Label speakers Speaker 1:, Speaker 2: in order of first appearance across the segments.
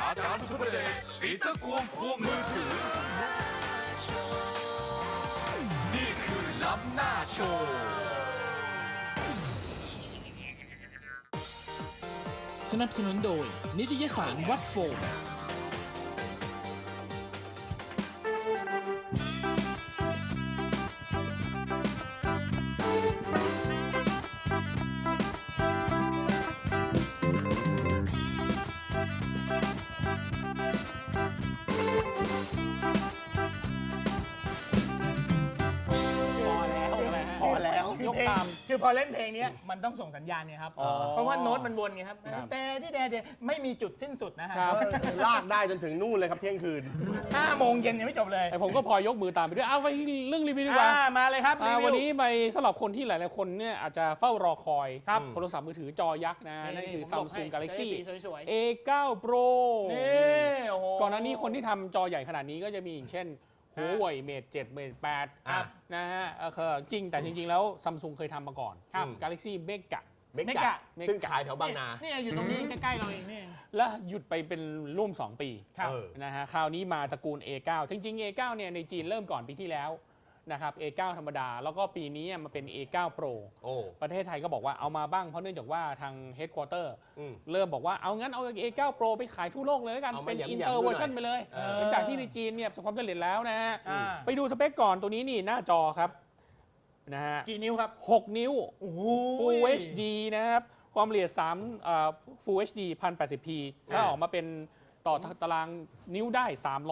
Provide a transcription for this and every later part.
Speaker 1: อาจารย์สุภเดชปีเตอร์กวงควงมือถือนี่คือล้ำหน้าโชว์
Speaker 2: สนับสนุนโดยนิตยสารวัดโฟม
Speaker 3: ยกตามคือพอเล่นเพลงนี้มันต้องส่งสัญญาณเนี่ยครับเพราะว่าโน้ตมันวนไงครับแต่ที่แต่ไม่มีจุดสิ้นสุดนะฮะ
Speaker 4: ลากได้จนถึงนู่นเลยครับเที่ยงคืน
Speaker 3: 5 โมงเย็นยังไม่จบเลย
Speaker 2: ผมก็พอยกมือตามไปด้วยเอาไปเรื่องรีวิวดีกว่า
Speaker 3: มาเลยครับ
Speaker 2: วันนี้ไปสำหรับคนที่หลายๆคนเนี่ยอาจจะเฝ้ารอคอยโทรศัพท์มือถือจอยักษ์นะนั่นคือ Samsung Galaxy A9 Pro ก่อนหน้านี้คนที่ทำจอใหญ่ขนาดนี้ก็จะมีอย่างเช่นหัวเว่ยเมท7เมท8นะฮะจริงแต่จริงๆแล้วซัมซุงเคยทำมาก่อน Galaxy Mega
Speaker 4: ซึ่งขายแถวบางนา
Speaker 3: นี่อยู่ตรงนี้ใกล้ๆเราเองนี่
Speaker 2: แล้วหยุดไปเป็นร่วม2 ปีนะฮะคราวนี้มาตระกูล A9 จริงๆ A9 เนี่ยในจีนเริ่มก่อนปีที่แล้วนะครับ A9 ธรรมดาแล้วก็ปีนี้มาเป็น A9 Pro ประเทศไทยก็บอกว่าเอามาบ้างเพราะเนื่องจากว่าทาง Headquarter เริ่มบอกว่าเอางั้นเอา A9 Pro ไปขายทั่วโลกเลยแล้วกันเป็น Inter Version ไปเลยหลังจากที่ในจีนเนี่ยประสบความสำเร็จแล้วนะฮะไปดูสเปคก่อนตัวนี้นี่หน้าจอครับนะฮะ
Speaker 3: กี่นิ้วครับ
Speaker 2: 6 นิ้ว Full HD นะครับความละเอียดFull HD 1080p ก็ออกมาเป็นต่อตารางนิ้วได้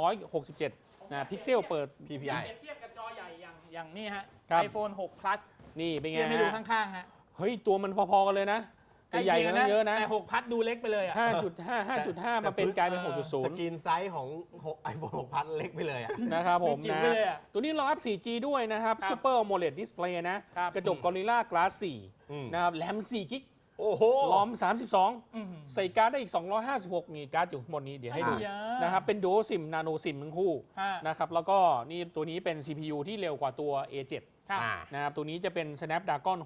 Speaker 2: 367นะพิกเซลเปิด
Speaker 4: PPI
Speaker 3: เทียบกับจอใหญ่อย่างนี่ฮะ iPhone 6 Plus
Speaker 2: นี่เป็นไง
Speaker 3: ไม่ดูข้างๆฮะ
Speaker 2: เฮ้ยตัวมันพอๆกันเลยนะแต่ใหญ่กันเยอะนะ
Speaker 3: แต่6 Plus ดูเล็กไปเลยอ่ะ
Speaker 2: 5.5 มาเป็นกลายเป็น 6.0
Speaker 4: สกรีนไซส์ของ iPhone 6 Plus เล็กไปเลย
Speaker 2: นะครับผมนะตัวนี้รองรับ 4G ด้วยนะครับ Super AMOLED Display นะกระจก Gorilla Glass 4นะครับแรม4 กิกลอม32ใส่การ์ดได้อีก256นี่การ์ดอยู่ข้างบนนี้เดี๋ยวให้ดูนะครับเป็น Dual SIM Nano SIM ทั้งคู่นะครับแล้วก็นี่ตัวนี้เป็น CPU ที่เร็วกว่าตัว A7 นะครับตัวนี้จะเป็น Snapdragon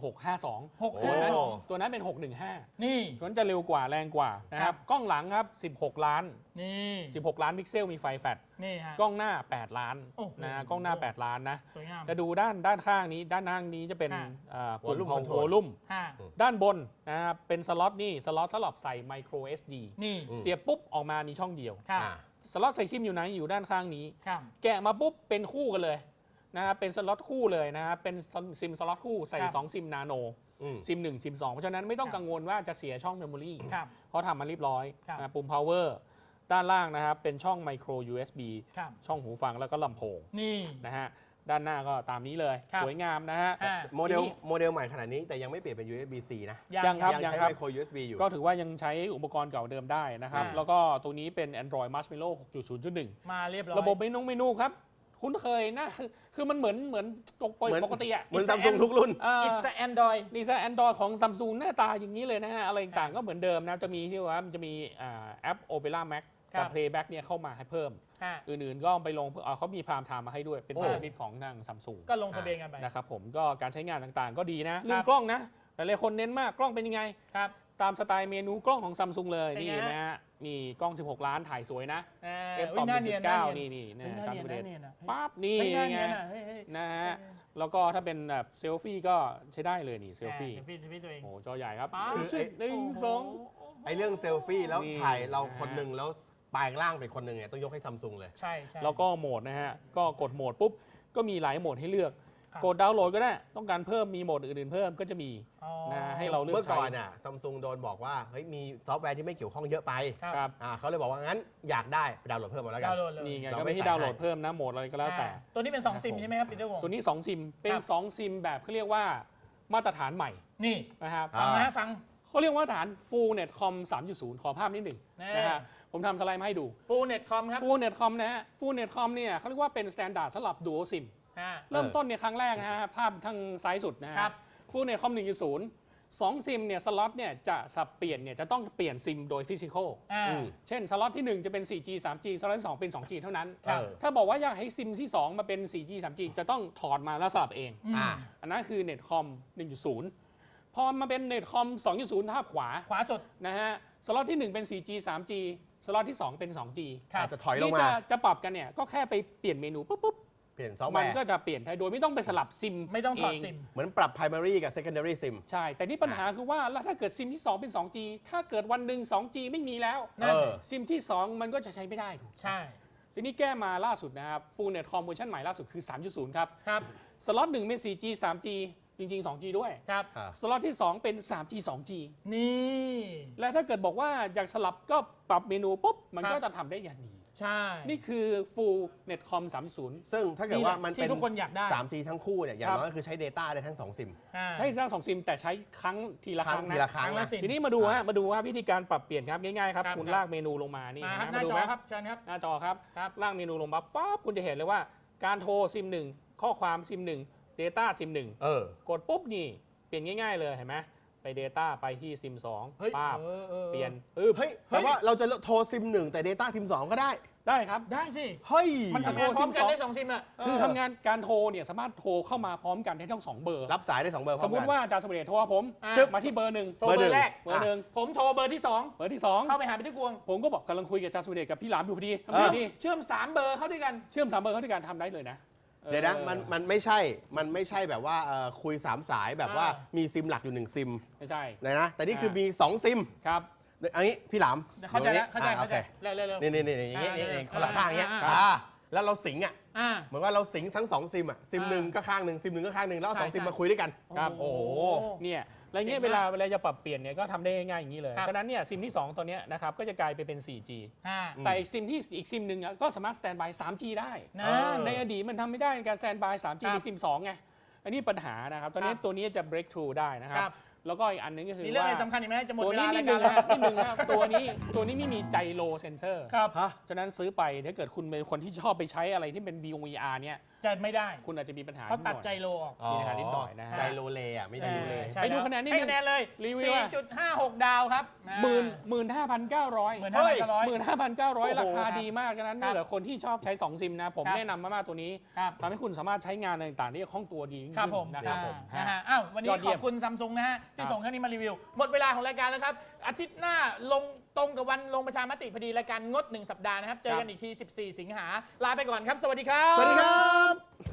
Speaker 2: 652ตัวนั้นเป็น615
Speaker 3: นี่
Speaker 2: ส่วนจะเร็วกว่าแรงกว่านะครับกล้องหลังครับ16 ล้าน
Speaker 3: นี่
Speaker 2: 16 ล้านพิกเซลมีไฟแฟลช
Speaker 3: นี่ฮะ
Speaker 2: กล้องหน้า8 ล้านนะกล้องหน้า8 ล้านนะ
Speaker 3: สวยงาม
Speaker 2: จะดูด้านข้างนี้ด้านข้างนี้จะเป็นปุ่มของโวลุ่มด้านบนนะครับเป็นสล็อตนี่สล็อตสำหรับใส่ micro SD
Speaker 3: นี่
Speaker 2: เสียบปุ๊บออกมามีช่องเดียวสล็อตใส่ซิมอยู่ไหนอยู่ด้านข้างนี้แกะมาปุ๊บเป็นคู่กันเลยนะครับเป็นสล็อตคู่เลยนะครับเป็นซิมสล็อตคู่ใส่2ซิมนาโนซิม1ซิม2เพราะฉะนั้นไม่ต้องกังวลว่าจะเสียช่องเมมโมรีเพราะทำมาเรียบร้อยปุ่ม power ด้านล่างนะครับเป็นช่อง micro USB ช่องหูฟังแล้วก็ลำโพง
Speaker 3: นี่
Speaker 2: นะฮะด้านหน้าก็ตามนี้เลยสวยงามนะฮะ
Speaker 4: โมเดลใหม่ขนาดนี้แต่ยังไม่เปลี่ยนเป็น USB-C นะ
Speaker 2: ยังครับ
Speaker 4: ใช้ micro USB อยู่
Speaker 2: ก็ถือว่ายังใช้อุปกรณ์เก่าเดิมได้นะครับแล้วก็ตัวนี้เป็น Android Marshmallow 6.0.1
Speaker 3: มาเรียบร้อย
Speaker 2: ระบบเมนูครับคุ้นเคยนะคือมันเหมือนปกติอ่ะ
Speaker 4: เหมือน Samsung ทุกรุ่น
Speaker 3: It's Android
Speaker 2: นี่ซะ Android ของ Samsung หน้าตาอย่างนี้เลยนะฮะอะไรต่างก็เหมือนเดิมนะจะมีที่ว่ามันจะมีแอป Opera Max กับ Playback เนี่ยเข้ามาให้เพิ่มอื่นๆก็ไปลงเขามีพรามไทม์มาให้ด้วยเป็นพันธมิตรของทาง Samsung
Speaker 3: ก็ลงทะเบียนกันไป
Speaker 2: นะครับผมก็การใช้งานต่างๆก็ดีนะเรื่องกล้องนะหลายๆคนเน้นมากกล้องเป็นยังไงตามสไตล์เมนูกล้องของ Samsung เลยนี่นะฮะนี่กล้อง16 ล้านถ่ายสวยนะ f2.9 นี่ตามประเด็นปั๊บนี่ไงนะฮะแล้วก็ถ้าเป็นแบบเซลฟี่ก็ใช้ได้เลยนี่เซลฟี่
Speaker 3: ตัวเอง
Speaker 2: โอ้จอใหญ่ครับ
Speaker 4: ไอเรื่องเซลฟี่แล้วถ่ายเราคนหนึ่งแล้วปลายล่างเป็นคนหนึ่งเนี่ยต้องยกให้ Samsung เลย
Speaker 3: ใช่
Speaker 2: แล้วก็โหมดนะฮะก็กดโหมดปุ๊บก็มีหลายโหมดให้เลือกกดดาวน์โหลดก็ได้ต้องการเพิ่มมีโหมดอื่นๆเพิ่มก็จะมีนะให้เราเลือกใช้
Speaker 4: เมื่อก่อนน่ะ Samsung โดนบอกว่าเฮ้ยมีซอฟต์แวร์ที่ไม่เกี่ยวข้องเยอะไปเขาเลยบอกว่างั้นอยากได้ไปดาวน์โหลดเพิ่มมาแล้วกัน
Speaker 2: นี่ไงก็ไม่ให้ดาวน์โหลดเพิ่มนะโหมดอะไรก็แล้วแต่
Speaker 3: ตัวนี้เป็น2ซิมใช่ไหมครับปีเตอร์วง
Speaker 2: ตัวนี้2ซิมเป็น2ซิมแบบเขาเรียกว่ามาตรฐานใหม่
Speaker 3: นี่
Speaker 2: นะครับ
Speaker 3: ฟัง
Speaker 2: เขาเรียกว่าฐาน Full Netcom 3.0 ขอภาพนิดหนึ่งนะฮะผมทำสไลด์มาให้ดู
Speaker 3: Full Netcom ครับ
Speaker 2: Full Netcom นะฮะ Full Netcom เนี่ยเขาเรียกว่าเป็น standard สำหรับ Dual SIM เริ่มต้นเนี่ยครั้งแรกนะฮะภาพทางซ้ายสุดนะฮะ Full Netcom 1.0 2ซิมเนี่ยสล็อตเนี่ยจะสับเปลี่ยนเนี่ยจะต้องเปลี่ยนซิมโดยฟิสิกอลเช่นสล็อตที่1จะเป็น 4G 3G สล็อตที่2เป็น 2G เท่านั้นถ้าบอกว่าอยากให้ซิมที่2มาเป็น 4G 3G จะต้องถอดมาแล้วสลับเองอันนั้นคือ Netcom 1.0 พอมาเป็น Netcom 2.0 ภาพขวา
Speaker 3: สุด
Speaker 2: นะฮะสล็อตที่1เป็น 4G 3G สล็อตที่ 2 เป็น 2G
Speaker 4: อาจจะถอยลง
Speaker 2: ที่
Speaker 4: มา
Speaker 2: จะปรับกันเนี่ยก็แค่ไปเปลี่ยนเมนูปุ๊บ
Speaker 4: เปลี่ยนซอฟต์แว
Speaker 2: มัน
Speaker 4: ร์
Speaker 2: ก็จะเปลี่ยนได้โดยไม่ต้องไปสลับซิม
Speaker 3: ไม่ต้องถอด
Speaker 2: เ
Speaker 3: ซิม
Speaker 4: เหมือนปรับ primary กับ secondary sim
Speaker 2: ใช่ แต่นี่ปัญหาคือว่าแล้วถ้าเกิดซิมที่ 2 เป็น 2G ถ้าเกิดวันหนึ่ง 2G ไม่มีแล้ว
Speaker 3: นั่น
Speaker 2: ซิมที่ 2 มันก็จะใช้ไม่ได้ถูก
Speaker 3: ใช่
Speaker 2: ทีนี้แก้มาล่าสุดนะครับ Full Net Com เวอร์ชันใหม่ล่าสุดคือ 3.0 ครับ
Speaker 3: ครับ
Speaker 2: สล็อต1เป็น 4G 3G จริง ๆ 2G ด้วย
Speaker 3: ครับ
Speaker 2: สล็อตที่ 2 เป็น 3G 2G
Speaker 3: นี่
Speaker 2: และถ้าเกิดบอกว่าอยากสลับก็ปรับเมนูปุ๊บ มัน
Speaker 3: ครับ
Speaker 2: ก็จะทำได้อย่างดี
Speaker 3: ใช่
Speaker 2: นี่คือ Full Netcom 3.0
Speaker 4: ซึ่งถ้าเกิดว่ามันเป็น
Speaker 3: ที่ทุกคนอยากได้
Speaker 4: 3G ทั้งคู่เนี่ยอย่าง
Speaker 2: ครับ
Speaker 4: น้อยก็คือใช้ data ได้ทั้ง 2 ซิม
Speaker 2: ใช้ทั้ง2ซิมแต่ใช้ครั้งทีละครั้ง
Speaker 4: ที
Speaker 2: นะ
Speaker 4: ละครั้ง
Speaker 3: ครั้งละ
Speaker 4: นะ
Speaker 3: สิ
Speaker 2: ทีนี้มาดูฮะมาดูว่าวิธีการปรับเปลี่ยนครับง่ายๆครับ
Speaker 3: ครับ
Speaker 2: คุณ
Speaker 3: ครับ
Speaker 2: ลากเมนูลงมานี่
Speaker 3: มาครับห
Speaker 2: มา
Speaker 3: น้า
Speaker 2: ดู
Speaker 3: จ
Speaker 2: ไหม
Speaker 3: อครับเชิญครับ
Speaker 2: หน้าจอครับ
Speaker 3: ครับ
Speaker 2: ลากเมนูลงมาปั๊บคุณจะเห็นเลยว่าการโทรซิม1ข้อความซิม1 Data ซิม1
Speaker 4: เออ
Speaker 2: กดปุ๊บนี่เปลี่ยนง่ายๆเลยเห็นไหมไป Data ไปที่ซิม
Speaker 3: เฮ้ย
Speaker 2: 2ป้าบ
Speaker 3: ออ
Speaker 2: เปลี่ยน
Speaker 4: เฮ้ยแปลว่าเราจะโทรซิม 1 แต่ data ซิม 2 ก็ได้
Speaker 2: ได้ครับ
Speaker 3: ได้สิ
Speaker 4: เฮ้ย
Speaker 3: มันทำงานพร้อมกันได้2ซิมอ่ะ
Speaker 2: คือทำงานการโทรเนี่ยสามารถโทรเข้ามาพร้อมกันได้ทั้ง2เบอร์
Speaker 4: รับสายได้ 2 เบอร์พร้
Speaker 2: ส
Speaker 4: อ
Speaker 2: ม
Speaker 4: ม
Speaker 2: ม
Speaker 4: กัน
Speaker 2: ติว่าอาจารย์สมเด็จโทรหาผม
Speaker 3: จึ๊บ
Speaker 2: มาที่เบอร์หนึ่ง
Speaker 3: โทรเบอร์แรก
Speaker 2: เบอร์หนึ่ง
Speaker 3: ผมโทรเบอร์ที่
Speaker 2: เบอร์ที่
Speaker 3: 2 เข้าไปหาพี่ที่กวง
Speaker 2: 2 ผมก็บอกกำลังคุยกับอาจารย์สมเด็จกับพี่หลามอยู่พอดีทำ
Speaker 4: เอ
Speaker 2: ไง
Speaker 4: อ
Speaker 2: ดี
Speaker 3: เชื่อม3เบอร์เข้าด้วยกัน
Speaker 2: เชื่อม3เบอร์เข้าด้วยกันทำได้เลยนะ
Speaker 4: เดี๋ยวนะมันไม่ใช่แบบว่าคุย 3 สายแบบว่ามีซิมหลักอยู่ 1 ซิม
Speaker 2: ไม่ใช่
Speaker 4: นะแต่นี่คือมี 2 ซิม
Speaker 2: ครับ
Speaker 4: อันนี้พี่หลาม
Speaker 3: เข้าใจแล้วเข้าใจ
Speaker 4: โอเค
Speaker 3: เร็ว
Speaker 4: นี่อย่างงี้นี่คนละข้างอย่างเงี้ย
Speaker 3: อ่า
Speaker 4: แล้วเราสิงอ่ะ
Speaker 3: อ่า
Speaker 4: เหมือนว่าเราสิงทั้ง 2 ซิมอ่ะซิม 1 ก็ข้างหนึ่งซิม 1 ก็ข้างหนึ่งแล้วเอา
Speaker 3: ใช่
Speaker 4: 2 ซิม
Speaker 3: ใช่
Speaker 4: มาคุยด้วยกัน
Speaker 2: ครับ
Speaker 4: โอ้โห
Speaker 2: เนี่ยอะไรเงี้ย
Speaker 3: เจ๋งมาก
Speaker 2: เวลาจะปรับเปลี่ยนเนี่ยก็ทำได้ง่ายๆอย่างนี้เลย
Speaker 3: ครับ
Speaker 2: ฉะนั้นเนี่ยซิมที่ 2 ตัวเนี้ยนะครับก็จะกลายไปเป็น 4G
Speaker 3: อ่า
Speaker 2: แต่อีกซิมที่อีกซิมหนึ่งอะก็สามารถสแตนบาย 3G ได้
Speaker 3: นะ
Speaker 2: ในอดีตมันทำไม่ได้ในการสแตนบาย 3G
Speaker 3: ครับ
Speaker 2: ในซิม 2 ไง อันนี้ปัญหานะครับ ตอนนี้
Speaker 3: ครับ
Speaker 2: ตัวนี้จะ break through ได้นะครั
Speaker 3: ครับ บ
Speaker 2: แล้วก็อีกอันหนึงก็คือ
Speaker 3: มีเรื่อง
Speaker 2: ว่า
Speaker 3: อะไรสำคัญอีกไหมจะหมด
Speaker 2: ตัว
Speaker 3: เว
Speaker 2: นี้
Speaker 3: ลา
Speaker 2: นิ
Speaker 3: รา
Speaker 2: ด
Speaker 3: ย
Speaker 2: นึ
Speaker 3: การ
Speaker 2: ง
Speaker 3: แล้ว
Speaker 2: ครับนิดนึงครับตัวนี้ไม่มีไจโรเซนเซอร์
Speaker 3: ครับ
Speaker 2: ฉะนั้นซื้อไปถ้าเกิดคุณเป็นคนที่ชอบไปใช้อะไรที่เป็น VR เนี่ย
Speaker 3: จะไม่ได้
Speaker 2: คุณอาจจะมีปัญหา
Speaker 3: เขาตัด
Speaker 2: นิ
Speaker 3: ใจ
Speaker 2: หน่อย
Speaker 3: โลออก
Speaker 2: มีปัญหานิดหน่อยนะฮะ
Speaker 4: ใจโลเลอ่ะไม่ได้โลเล
Speaker 3: ใช่
Speaker 2: ไปดู
Speaker 3: แล้ว
Speaker 2: คะแนนนิดนึง
Speaker 3: ให้คะแนนเลย
Speaker 2: รีวิวอะ
Speaker 3: 4.56 ดาวครับ
Speaker 2: 15,900
Speaker 3: 15,900
Speaker 2: 15,900 ราคาดีมากฉะนั้น
Speaker 3: ครับ
Speaker 2: ถ้าเกิดคนที่ชอบใช้ 2 ซิมนะ ผม
Speaker 3: ครับ
Speaker 2: แนะนำมากๆตัวนี้
Speaker 3: ครับ
Speaker 2: ทำให้คุณสามารถใช้งานอะไรต่างๆได้คล่องตัวดียิ่ง
Speaker 3: ครับ
Speaker 2: ขึ้น
Speaker 3: ผม
Speaker 2: นะครับผม
Speaker 3: นะฮะอ้าววันนี้
Speaker 2: ยอด
Speaker 3: ข
Speaker 2: เยี่
Speaker 3: อย
Speaker 2: ม
Speaker 3: บคุณซัมซุงนะฮะที่
Speaker 2: ครับ
Speaker 3: ส่งเครื่องนี้มารีวิว หมดเวลาของรายการแล้วครับ อาทิตย์หน้าลงตรงกับวันลงประชามติพอดีรายการงด 1 สัปดาห์นะครับ เจอกันอีกที 14 สิงหา ลาไปก่อนครับ สวัสดีครับ
Speaker 4: สวัสดีครับ